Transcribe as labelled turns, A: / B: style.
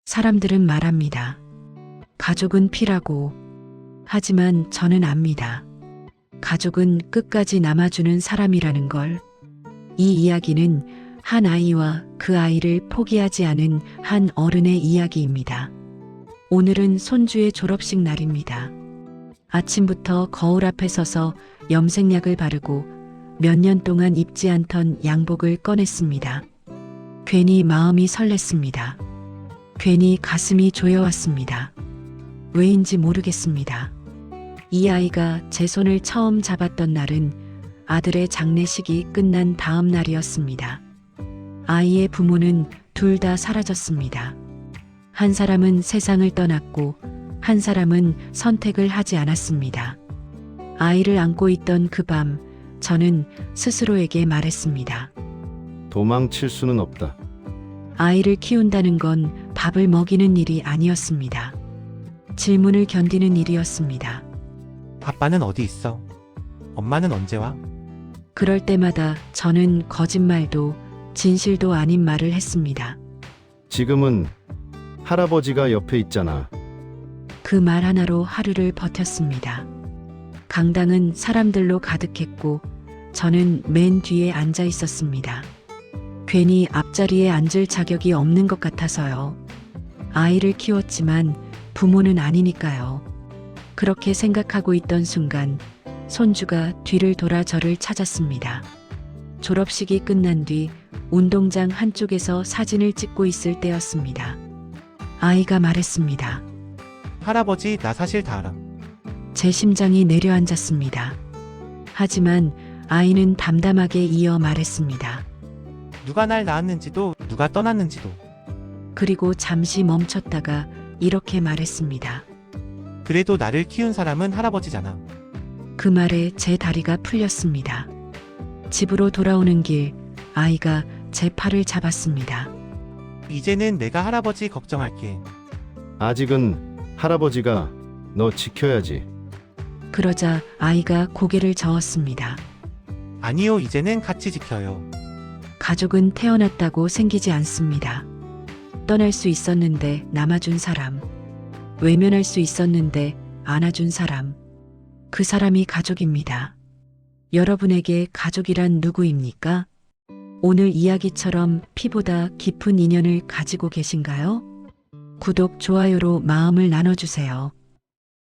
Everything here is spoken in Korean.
A: 사람들은 말합니다. 가족은 피라고. 하지만 저는 압니다. 가족은 끝까지 남아주는 사람이라는 걸. 이 이야기는 한 아이와 그 아이를 포기하지 않은 한 어른의 이야기입니다. 오늘은 손주의 졸업식 날입니다. 아침부터 거울 앞에 서서 염색약을 바르고 몇 년 동안 입지 않던 양복을 꺼냈습니다. 괜히 마음이 설렜습니다. 괜히 가슴이 조여왔습니다. 왜인지 모르겠습니다. 이 아이가 제 손을 처음 잡았던 날은 아들의 장례식이 끝난 다음 날이었습니다. 아이의 부모는 둘 다 사라졌습니다. 한 사람은 세상을 떠났고 한 사람은 선택을 하지 않았습니다. 아이를 안고 있던 그 밤, 저는 스스로에게 말했습니다.
B: 도망칠 수는 없다.
A: 아이를 키운다는 건 밥을 먹이는 일이 아니었습니다. 질문을 견디는 일이었습니다.
C: 아빠는 어디 있어? 엄마는 언제 와?
A: 그럴 때마다 저는 거짓말도 진실도 아닌 말을 했습니다.
B: 지금은 할아버지가 옆에 있잖아.
A: 그 말 하나로 하루를 버텼습니다. 강당은 사람들로 가득했고 저는 맨 뒤에 앉아 있었습니다. 괜히 앞자리에 앉을 자격이 없는 것 같아서요. 아이를 키웠지만 부모는 아니니까요. 그렇게 생각하고 있던 순간 손주가 뒤를 돌아 저를 찾았습니다. 졸업식이 끝난 뒤 운동장 한쪽에서 사진을 찍고 있을 때였습니다. 아이가 말했습니다.
C: 할아버지, 나 사실 다 알아.
A: 제 심장이 내려앉았습니다. 하지만 아이는 담담하게 이어 말했습니다.
C: 누가 날 낳았는지도, 누가 떠났는지도.
A: 그리고 잠시 멈췄다가 이렇게 말했습니다.
C: 그래도 나를 키운 사람은 할아버지잖아.
A: 그 말에 제 다리가 풀렸습니다. 집으로 돌아오는 길, 아이가 제 팔을 잡았습니다.
C: 이제는 내가 할아버지 걱정할게.
B: 아직은 할아버지가 너 지켜야지.
A: 그러자 아이가 고개를 저었습니다.
C: 아니요, 이제는 같이 지켜요.
A: 가족은 태어났다고 생기지 않습니다. 떠날 수 있었는데 남아준 사람, 외면할 수 있었는데 안아준 사람, 그 사람이 가족입니다. 여러분에게 가족이란 누구입니까? 오늘 이야기처럼 피보다 깊은 인연을 가지고 계신가요? 구독, 좋아요로 마음을 나눠주세요.